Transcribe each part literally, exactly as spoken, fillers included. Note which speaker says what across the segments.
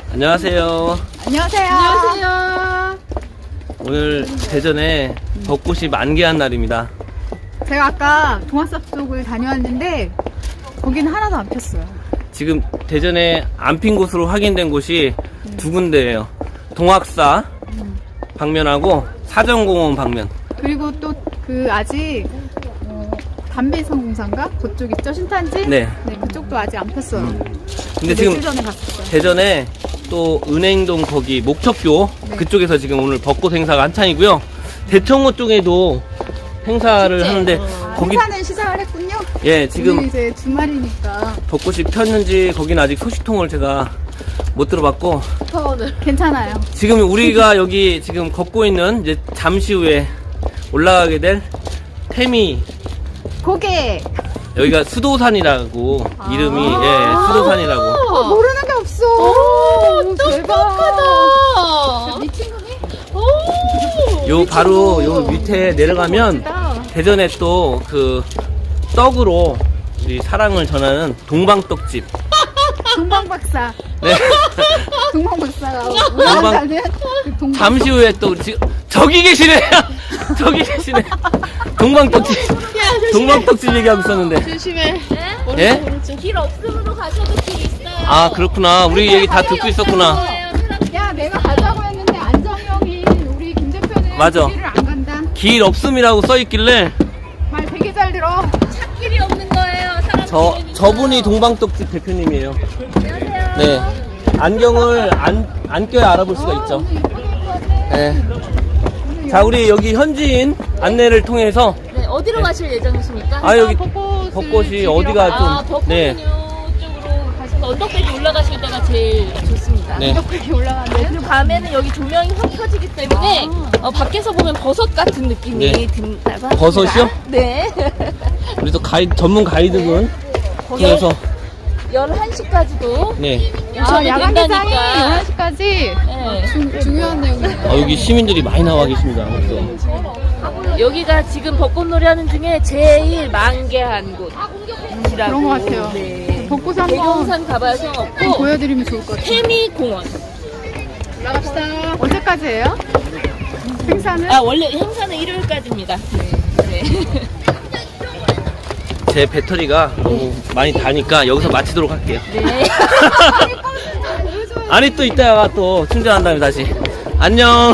Speaker 1: 안녕하세요.
Speaker 2: 안녕하세요.
Speaker 3: 안녕하세요.
Speaker 1: 오늘 대전에 벚꽃이 만개한 날입니다.
Speaker 2: 제가 아까 동화숲 쪽을 다녀왔는데 거기는 하나도 안 폈어요.
Speaker 1: 지금 대전에 안 핀 곳으로 확인된 곳이 두 군데예요. 동학사 방면하고 사정공원 방면.
Speaker 2: 그리고 또 그 아직 어, 담배성공사인가? 그쪽 있죠? 신탄지?
Speaker 1: 네.
Speaker 2: 네, 그쪽도 아직 안 폈어요.
Speaker 1: 근데
Speaker 2: 며칠
Speaker 1: 지금
Speaker 2: 전에 갔었어요.
Speaker 1: 대전에 또 은행동 거기 목척교
Speaker 2: 네.
Speaker 1: 그쪽에서 지금 오늘 벚꽃 행사가 한창이고요. 대청호 쪽에도 행사를 하는데
Speaker 2: 아,
Speaker 1: 거기
Speaker 2: 행사는 시작을 했군요.
Speaker 1: 예 지금
Speaker 2: 오늘 이제 주말이니까
Speaker 1: 벚꽃이 폈는지 거기는 아직 소식통을 제가 못 들어봤고
Speaker 3: 오늘
Speaker 2: 괜찮아요.
Speaker 1: 지금 우리가 여기 지금 걷고 있는 이제 잠시 후에 올라가게 될 태미
Speaker 2: 고개
Speaker 1: 여기가 수도산이라고
Speaker 2: 아.
Speaker 1: 이름이 예 수도산이라고
Speaker 2: 어, 모르는 게 없어.
Speaker 3: 오,
Speaker 2: 대박.
Speaker 3: 똑똑하다.
Speaker 2: 미친 거니?
Speaker 3: 오,
Speaker 1: 요 바로 요 밑에 내려가면
Speaker 2: 멋지다.
Speaker 1: 대전에 또 그 떡으로 우리 사랑을 전하는 동방떡집
Speaker 2: 동방박사.
Speaker 1: 네.
Speaker 2: 동방박사가 올라간다는 그 동방.
Speaker 1: 잠시 후에 또 지금 저기 계시네 저기 계시네 동방떡집 동방떡집 얘기하고 있었는데
Speaker 3: 조심해.
Speaker 1: 예?
Speaker 3: 길 없음으로 가셔도 길 있어요.
Speaker 1: 아 그렇구나 우리 얘기 다 듣고 있었구나
Speaker 2: 야, 내가 가자고 했는데 안정형이 우리 김 대표는
Speaker 1: 맞아.
Speaker 2: 길을 안 간다.
Speaker 1: 길 없음이라고 써있길래
Speaker 2: 말 되게 잘 들어.
Speaker 3: 길이 없는 거예요. 사람
Speaker 1: 저
Speaker 3: 길이니까.
Speaker 1: 저분이 동방떡집 대표님이에요. 네 안경을 안, 안 껴야 알아볼 수가 있죠.
Speaker 2: 오늘 예쁘게 입고 왔네.
Speaker 1: 네. 자 우리 여기 현지인 안내를 통해서
Speaker 3: 네, 어디로
Speaker 1: 네.
Speaker 3: 가실 예정이십니까?
Speaker 1: 아 여기
Speaker 2: 벚꽃을
Speaker 1: 벚꽃이
Speaker 2: 즐기러
Speaker 1: 어디가
Speaker 2: 가.
Speaker 3: 아,
Speaker 1: 좀
Speaker 3: 벚꽃은
Speaker 1: 네.
Speaker 3: 이쪽으로 가셔서 언덕배기 올라가실 때가 제일 좋습니다.
Speaker 1: 네.
Speaker 2: 이렇게 올라가네.
Speaker 3: 그리고 밤에는 여기 조명이 확 켜지기 때문에 어, 밖에서 보면 버섯 같은 느낌이
Speaker 1: 네.
Speaker 3: 든다고 합니다.
Speaker 1: 버섯이요?
Speaker 3: 네.
Speaker 1: 우리 또 가이 전문 가이드분 통해서
Speaker 3: 열한 시까지도
Speaker 1: 네.
Speaker 2: 아,
Speaker 3: 오셔도
Speaker 2: 야간 개장이
Speaker 3: 된다니까.
Speaker 2: 열한 시까지
Speaker 3: 네.
Speaker 2: 중요한 내용이네요.
Speaker 1: 아, 여기 시민들이 많이 나와 계십니다. 그래서
Speaker 3: 여기가 지금 벚꽃놀이 하는 중에 제일 만개한 곳이라고.
Speaker 2: 그런 것 같아요.
Speaker 3: 네.
Speaker 2: 벚꽃 한번
Speaker 3: 대경산 가봐야 소용없고
Speaker 2: 보여드리면 좋을 것 같아요.
Speaker 3: 태미공원.
Speaker 2: 올라갑시다. 언제까지예요? 행사는?
Speaker 3: 아 원래 행사는 일요일까지입니다. 네.
Speaker 1: 제 배터리가 너무 많이 다니까 여기서 마치도록 할게요.
Speaker 3: 네.
Speaker 1: 아니 또 이따가 또 충전한 다음에 다시 안녕.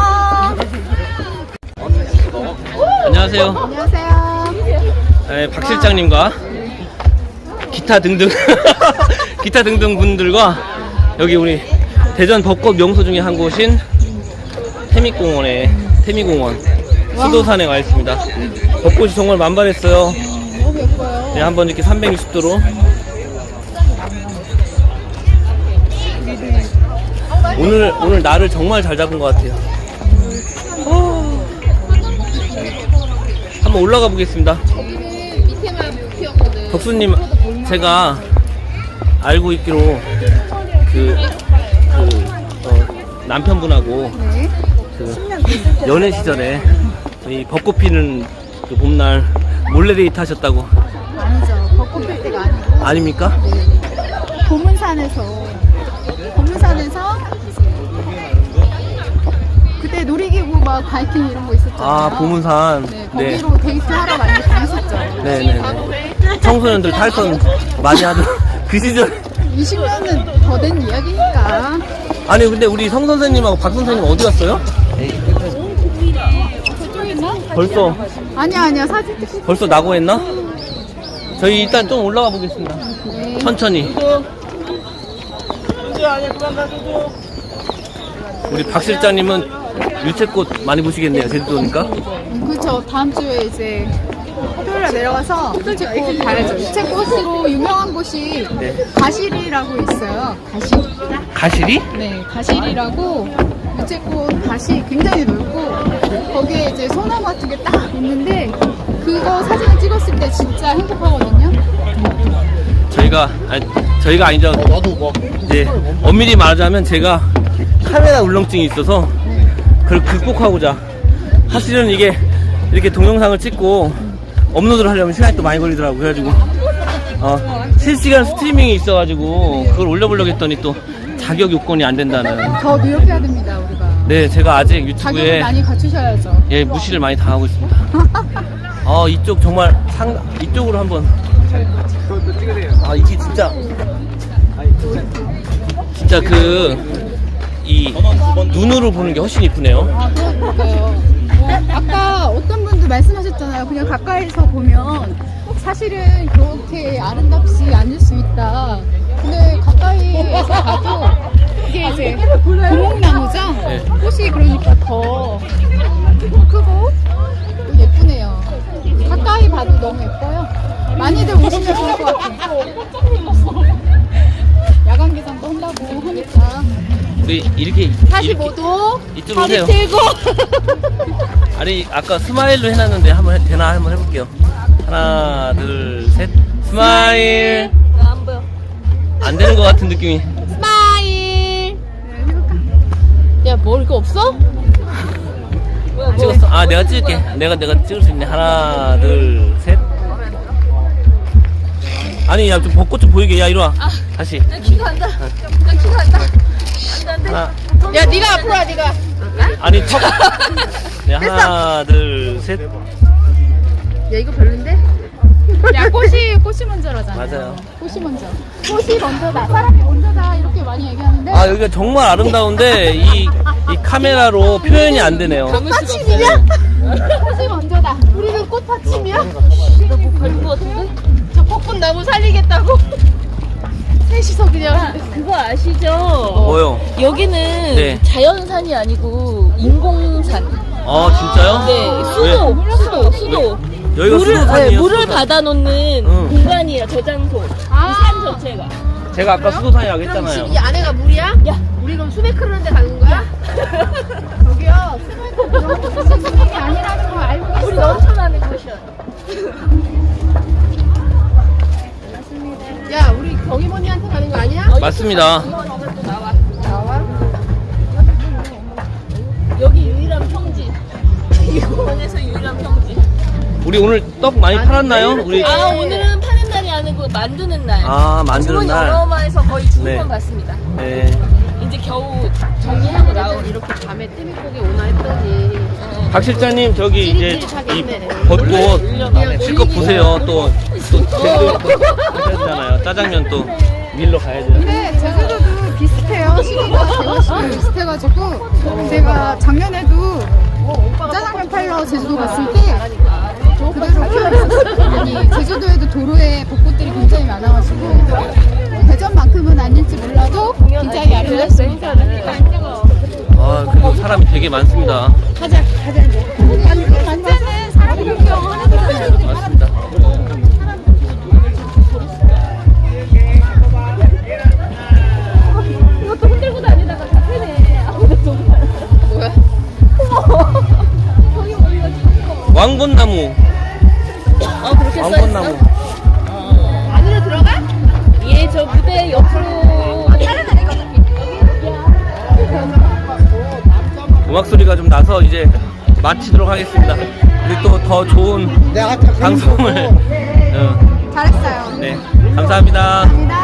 Speaker 1: 안녕하세요.
Speaker 2: 안녕하세요.
Speaker 1: 네, 박 실장님과 기타 등등 기타 등등 분들과 여기 우리 대전 벚꽃 명소 중에 한 곳인 태미공원에 태미공원 수도산에 와 있습니다. 벚꽃이 정말 만발했어요.
Speaker 2: 너무 예뻐요.
Speaker 1: 네, 한번 이렇게 삼백육십 도로 오늘 오늘 날을 정말 잘 잡은 것 같아요. 어. 한번 올라가 보겠습니다. 덕수님 제가 알고 있기로 그, 그 어, 남편분하고
Speaker 2: 네.
Speaker 1: 그 연애 시절에 이 벚꽃 피는 그 봄날 몰래 데이트 하셨다고
Speaker 2: 아니죠. 벚꽃 필 때가 아니고
Speaker 1: 아닙니까?
Speaker 2: 보문산에서 보문산에서 그때 놀이기구 막 바이킹 이런 거 있었잖아요.
Speaker 1: 아 보문산
Speaker 2: 네,
Speaker 1: 네.
Speaker 2: 거기로 데이트 하러 많이 다녔었죠.
Speaker 1: 네네네. 청소년들 탈선 많이 하던 그 시절.
Speaker 2: 이십 년은 더 된 이야기니까.
Speaker 1: 아니 근데 우리 성 선생님하고 박 선생님 어디 갔어요? 벌써
Speaker 2: 아니야 아니야 사진 찍고.
Speaker 1: 벌써 낙오했나? 저희 일단 좀 올라가 보겠습니다.
Speaker 2: 네.
Speaker 1: 천천히. 우리 박 실장님은 유채꽃 많이 보시겠네요. 제주도니까.
Speaker 2: 음, 그렇죠. 다음 주에 이제 토요일에 내려가서 유채꽃 봐야죠. 유채꽃으로 유명한 곳이
Speaker 1: 네.
Speaker 2: 가실이라고 있어요. 가실.
Speaker 1: 가시리?
Speaker 2: 네, 가실이라고 유채꽃 밭이 굉장히 넓고 거기에 이제 소나무 같은 게 딱 있는데 그거 사진을 찍었을 때 진짜 행복하거든요.
Speaker 1: 저희가 아니 저희가 아니죠. 이제 엄밀히 말하자면 제가 카메라 울렁증이 있어서 그걸 극복하고자 사실은 이게 이렇게 동영상을 찍고 업로드를 하려면 시간이 또 많이 걸리더라고요. 그래가지고 어, 실시간 스트리밍이 있어가지고 그걸 올려보려고 했더니 또 자격 요건이 안 된다는.
Speaker 2: 더 노력해야 됩니다, 우리가.
Speaker 1: 네, 제가 아직
Speaker 2: 자격을
Speaker 1: 유튜브에
Speaker 2: 많이 갖추셔야죠.
Speaker 1: 예 무시를 많이 당하고 있습니다. 아 이쪽 정말 상 이쪽으로 한번. 아 이게 진짜 진짜 그 이 눈으로 보는 게 훨씬 이쁘네요.
Speaker 2: 아, 그러니까요. 어, 아까 어떤 분도 말씀하셨잖아요. 그냥 가까이서 보면 사실은 그렇게 아름답지 않을 수 있다. 근데 가까이에서 봐도 이게 이제 고목나무죠?
Speaker 1: 네.
Speaker 2: 꽃이 그러니까 더 크고 또 예쁘네요. 가까이 봐도 너무 예뻐요. 많이들 오시면 좋을 것 같아요. 야간 개장도 한다고 하니까.
Speaker 1: 우리 이렇게
Speaker 2: 사십오 도
Speaker 1: 이쪽 오세요.
Speaker 2: 들고
Speaker 1: 아니 아까 스마일로 해놨는데 한번 해, 되나 한번 해볼게요. 하나 둘 셋 스마일.
Speaker 3: 안 보여.
Speaker 1: 안 되는 것 같은 느낌이.
Speaker 2: 스마일.
Speaker 3: 야, 뭐 이거 없어? 뭐야, 뭐.
Speaker 1: 찍었어. 아 내가 찍을게. 내가 내가 찍을 수 있네. 하나 둘 셋. 아니 야 좀 벚꽃 좀 보이게. 야 이리 와.
Speaker 3: 아.
Speaker 1: 다시.
Speaker 3: 나 키가 안 나. 나 키가 안 나. 안 돼, 안 돼.
Speaker 1: 하나.
Speaker 2: 야, 네가 앞으로 와, 네가.
Speaker 1: 아니 턱. 네 하나 둘 셋.
Speaker 2: 야, 이거 별론데? 야, 꽃이 꽃이 먼저라잖아.
Speaker 1: 맞아요.
Speaker 2: 꽃이 먼저. 꽃이 먼저다. 사람이 먼저다. 이렇게 많이 얘기하는데.
Speaker 1: 아 여기가 정말 아름다운데 이, 이 카메라로 표현이 안 되네요.
Speaker 2: 꽃받침이냐? 꽃이 먼저다. 우리는 꽃받침이야?
Speaker 3: 나뭐 걸린 거 같은데?
Speaker 2: 저 벚꽃 나무 살리겠다고. 셋이서 그냥.
Speaker 3: 그거 아시죠?
Speaker 1: 뭐요?
Speaker 3: 여기는
Speaker 1: 네.
Speaker 3: 자연산이 아니고 인공산.
Speaker 1: 아 진짜요?
Speaker 3: 네, 수도, 수도, 수도.
Speaker 1: 여기가
Speaker 3: 물을,
Speaker 1: 수도산이에요,
Speaker 3: 네, 물을
Speaker 1: 수도산.
Speaker 3: 받아놓는
Speaker 1: 응.
Speaker 3: 공간이에요, 저장소.
Speaker 2: 아.
Speaker 3: 이 산 전체가.
Speaker 1: 제가 아까 수도산이라고 했잖아요.
Speaker 4: 이 안에가 물이야?
Speaker 3: 야,
Speaker 4: 우리 그럼 수백 흐르는 데 가는 거야?
Speaker 2: 저기요. 수맥이 아니라는 거 알고 있어.
Speaker 3: 우리 넘쳐나는 곳이야.
Speaker 4: 야, 우리 경이모니한테 가는 거 아니야?
Speaker 1: 맞습니다.
Speaker 4: 나와.
Speaker 3: 여기 유일한 평지. 이 공원에서 유일한 평지.
Speaker 1: 우리 오늘 떡 많이 팔았나요? 우리
Speaker 3: 아, 오늘은 파는 날이 아니고 만드는 날.
Speaker 1: 아, 만드는
Speaker 3: 주문
Speaker 1: 날.
Speaker 3: 어마어마해서 거의 죽을
Speaker 1: 네.
Speaker 3: 건 봤습니다.
Speaker 1: 네.
Speaker 3: 이제 겨우 정리하고 나오고
Speaker 4: 이렇게 밤에 띠미고기 오나 했더니
Speaker 1: 박 실장님 저기 이제 이
Speaker 4: 찌릿찌릿하겠네.
Speaker 1: 벚꽃 실컷 보세요. 또 또 제대로 하잖아요. 짜장면 또 밀러 가야죠.
Speaker 2: 근데 제주도도 비슷해요. 시기가 개월 시기 비슷해가지고 제가 작년에도 짜장면 팔러 제주도 갔을 때 그대로 키워있었어요. 아니 제주도에도 도로에 벚꽃들이 굉장히 많아가지고 대전만큼은 아닐지 몰라도 굉장히 아름답습니다.
Speaker 1: 아 그리고 사람이 되게 많습니다.
Speaker 2: 가자 가자 이제. 완전은 사람 구경하는 거잖아요.
Speaker 1: 맞습니다.
Speaker 3: 이것도 흔들고 다니다가 다 패네. 아무데도
Speaker 4: 뭐야?
Speaker 1: 왕건나무.
Speaker 3: 어, 그렇게 써있어?
Speaker 1: 왕건나무.
Speaker 4: 안으로 들어가?
Speaker 3: 예, 저 무대 옆으로.
Speaker 1: 음악 소리가 좀 나서 이제 마치도록 하겠습니다. 우리 또 더 좋은 방송을. 어,
Speaker 2: 잘했어요.
Speaker 1: 네 감사합니다.
Speaker 2: 감사합니다.